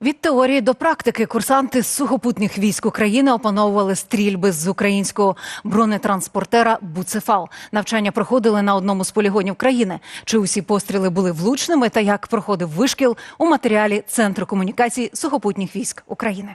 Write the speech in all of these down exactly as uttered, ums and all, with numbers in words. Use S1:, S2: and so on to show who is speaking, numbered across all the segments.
S1: Від теорії до практики курсанти з сухопутних військ України опановували стрільби з українського бронетранспортера «Буцефал». Навчання проходили на одному з полігонів країни. Чи усі постріли були влучними та як проходив вишкіл – у матеріалі Центру комунікацій сухопутних військ України.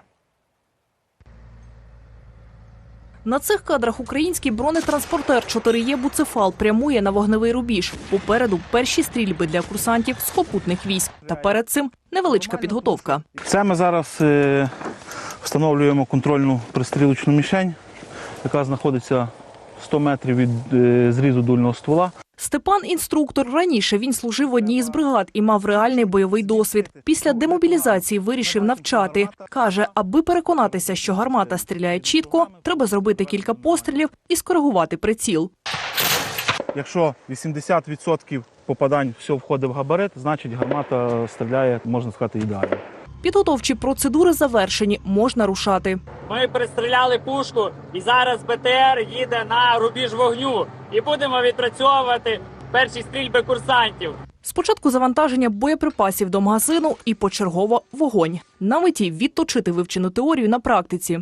S2: На цих кадрах український бронетранспортер чотири Е «Буцефал» прямує на вогневий рубіж. Попереду перші стрільби для курсантів сухопутних військ. Та перед цим невеличка підготовка.
S3: Це ми зараз е, встановлюємо контрольну пристрілочну мішень, яка знаходиться сто метрів від е, зрізу дульного ствола.
S2: Степан – інструктор. Раніше він служив в одній із бригад і мав реальний бойовий досвід. Після демобілізації вирішив навчати. Каже, аби переконатися, що гармата стріляє чітко, треба зробити кілька пострілів і скоригувати приціл.
S3: Якщо вісімдесят відсотків попадань все входить в габарит, значить гармата стріляє, можна сказати, ідеально.
S2: Підготовчі процедури завершені, можна рушати.
S4: Ми пристріляли пушку і зараз Б Т Р їде на рубіж вогню. І будемо відпрацьовувати перші стрільби курсантів.
S2: Спочатку завантаження боєприпасів до магазину і почергово вогонь. На меті відточити вивчену теорію на практиці.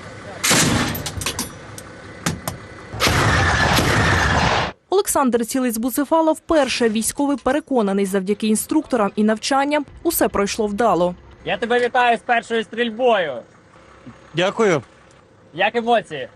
S2: Олександр цілить з «Буцефала» вперше. Військовий переконаний, завдяки інструкторам і навчанням усе пройшло вдало.
S4: Я тебе вітаю з першою стрільбою.
S5: Дякую.
S4: Як емоції?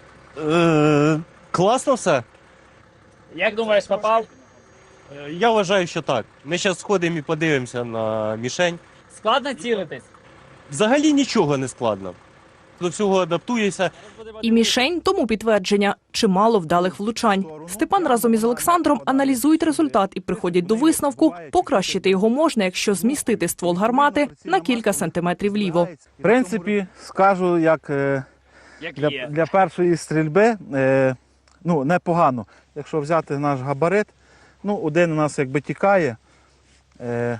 S5: Е, класно все.
S4: Як думаєш, попав?
S5: Е, Я вважаю, що так. Ми зараз сходимо і подивимося на мішень.
S4: Складно цілитись?
S5: Взагалі нічого не складно. До всього адаптуєшся.
S2: І мішень тому підтвердження – чимало вдалих влучань. Степан разом із Олександром аналізують результат і приходять до висновку – покращити його можна, якщо змістити ствол гармати на кілька сантиметрів вліво.
S3: В принципі, скажу, як е,
S4: Як
S3: для,
S4: є.
S3: для першої стрільби, е, ну, непогано. Якщо взяти наш габарит, ну, один у нас якби тікає, е,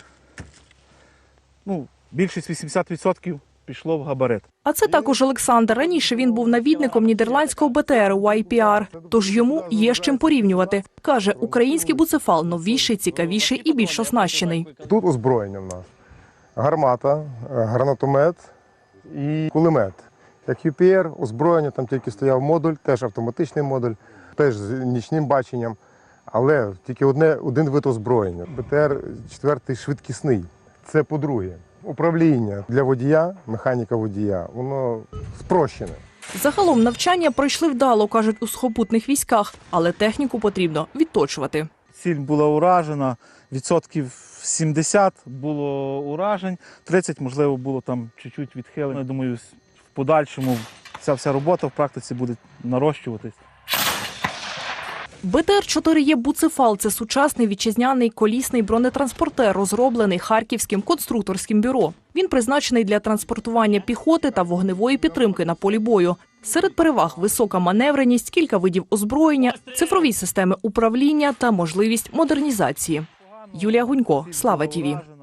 S3: ну, більшість вісімдесят відсотків пішло в габарит.
S2: А це також Олександр. Раніше він був навідником нідерландського Б Т Р «Вай Пі Ар», тож йому є з чим порівнювати. Каже, український «Буцефал» новіший, цікавіший і більш оснащений.
S6: Тут озброєння в нас. Гармата, гранатомет і кулемет. Як Ю Пі Р, озброєння, там тільки стояв модуль, теж автоматичний модуль, теж з нічним баченням, але тільки одне, один вид озброєння. Б Т Р четвертий швидкісний. Це по-друге. Управління для водія, механіка водія, воно спрощене.
S2: Загалом навчання пройшли вдало, кажуть у сухопутних військах, але техніку потрібно відточувати.
S3: Ціль була уражена, відсотків сімдесят було уражень, тридцять, можливо, було там чуть-чуть відхилень. Я думаю, в подальшому ця вся робота в практиці буде нарощуватись.
S2: Б Т Р чотири Е «Буцефал» – це сучасний вітчизняний колісний бронетранспортер, розроблений Харківським конструкторським бюро. Він призначений для транспортування піхоти та вогневої підтримки на полі бою. Серед переваг – висока маневреність, кілька видів озброєння, цифрові системи управління та можливість модернізації. Юлія Гунько, Слава Ті Ві.